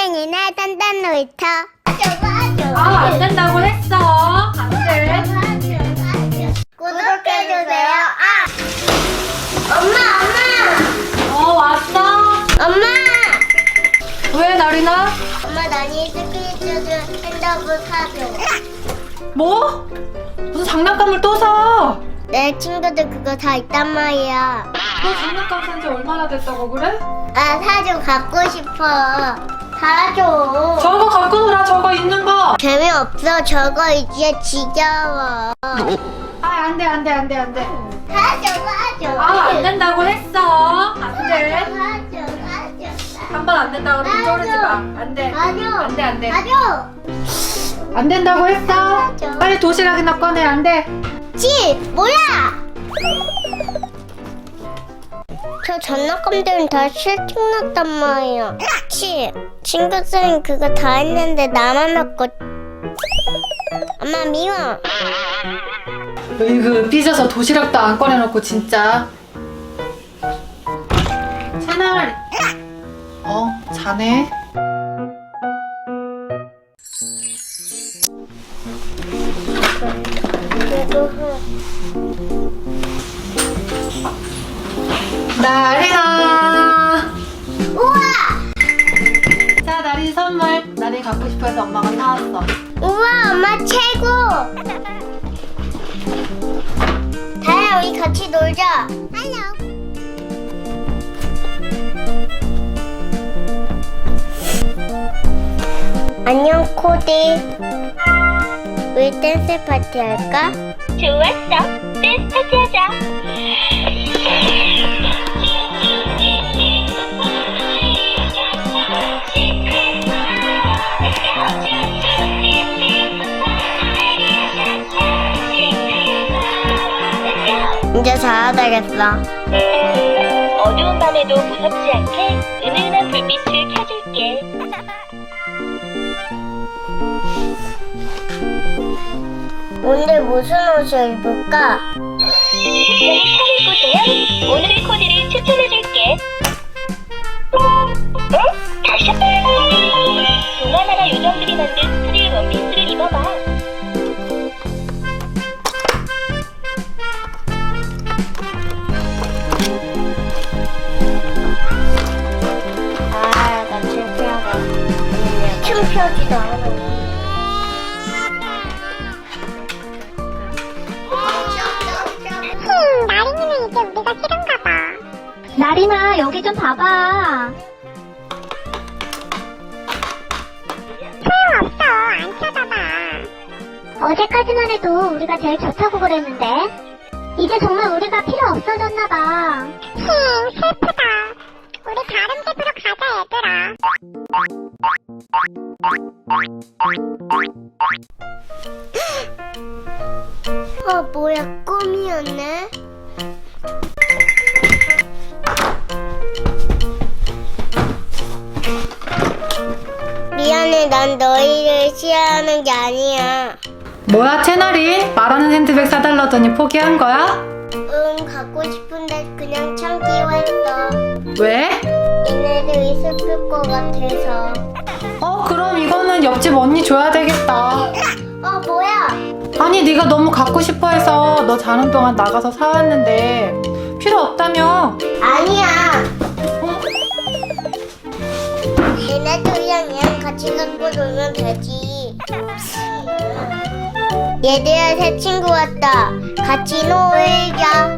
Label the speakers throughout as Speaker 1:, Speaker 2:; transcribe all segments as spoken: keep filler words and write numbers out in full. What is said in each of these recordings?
Speaker 1: 땡이나 단단 놀이터.
Speaker 2: 아, 안 된다고 했어. 안 돼.
Speaker 1: 구독해주세요. 아! 엄마, 엄마!
Speaker 2: 어, 왔어?
Speaker 1: 엄마!
Speaker 2: 왜, 나리나?
Speaker 1: 엄마, 나니 스피드 핸드폰 사줘.
Speaker 2: 뭐? 무슨 장난감을 또 사?
Speaker 1: 내 친구들 그거 다 있단 말이야.
Speaker 2: 너 장난감 산 지 얼마나 됐다고 그래?
Speaker 1: 아, 사줘. 갖고 싶어. 사줘.
Speaker 2: 저거 갖고 놀아, 저거 있는 거.
Speaker 1: 재미없어. 저거 이제 지겨워.
Speaker 2: 아, 안 돼, 안 돼, 안 돼, 안 돼.
Speaker 1: 사줘, 사줘.
Speaker 2: 아, 안 된다고 했어. 안 돼.
Speaker 1: 사줘, 사줘.
Speaker 2: 한 번 안 된다고 그러면 쪼르지 마. 안 돼.
Speaker 1: 사줘.
Speaker 2: 안 돼, 안 돼.
Speaker 1: 사줘.
Speaker 2: 안 된다고 했어.
Speaker 1: 맞아.
Speaker 2: 빨리 도시락이나 꺼내. 안 돼.
Speaker 1: 지, 뭐야? 저 장난감들은 다 실증났단 말이야. 치, 친구들은 그거 다 했는데 나만 없고. 엄마 미워.
Speaker 2: 으이그 삐져서 도시락도 안 꺼내놓고 진짜. 채널. 어, 자네. 나리나.
Speaker 1: 우와!
Speaker 2: 자, 나리 선물. 나리 갖고 싶어서 엄마가 사왔어.
Speaker 1: 우와, 엄마 최고! 다야, 우리 같이 놀자. 안녕. 안녕, 코디. 우리 댄스 파티 할까?
Speaker 3: 좋았어. 댄스 파티 하자.
Speaker 1: 이제 자야 되겠어.
Speaker 3: 어두운 밤에도 무섭지 않게 은은한 불빛을 켜줄게.
Speaker 1: 오늘 무슨 옷을 입을까?
Speaker 3: 여기 차릴 곳에요. 오늘의 코디를 추천해줄게. 응? 다시? 동아나라 요정들이 만든 프릴 원피스를 입어봐.
Speaker 1: 아, 나 창피하다. 창피하지도 않아. 흠, 나린이는 이제 우리가 싫은가 봐.
Speaker 3: 나리나 여기 좀 봐봐.
Speaker 1: 소용없어. 안 쳐다봐.
Speaker 3: 어제까지만 해도 우리가 제일 좋다고 그랬는데 이제 정말 우리가 필요 없어졌나봐.
Speaker 1: 힝, 슬프다. 우리 다른 집으로 가자, 얘들아. 어, 뭐야, 꿈이었네? 미안해, 난 너희를 싫어하는 게 아니야.
Speaker 2: 뭐야, 채널이? 말하는 핸드백 사달라더니 포기한 거야?
Speaker 1: 응, 갖고 싶은데 그냥 참기로 했어.
Speaker 2: 왜?
Speaker 1: 얘네들이 슬플 것 같아서.
Speaker 2: 어, 그럼 이거는 옆집 언니 줘야 되겠다.
Speaker 1: 어, 뭐야?
Speaker 2: 아니, 네가 너무 갖고 싶어 해서 너 자는 동안 나가서 사왔는데 필요 없다며.
Speaker 1: 아니야.
Speaker 2: 어?
Speaker 1: 얘네들이랑 얘랑 같이 갖고 놀면 되지. 얘들아, 새 친구 왔다. 같이 놀자.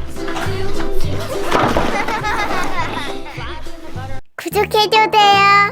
Speaker 1: 구독해줘세요.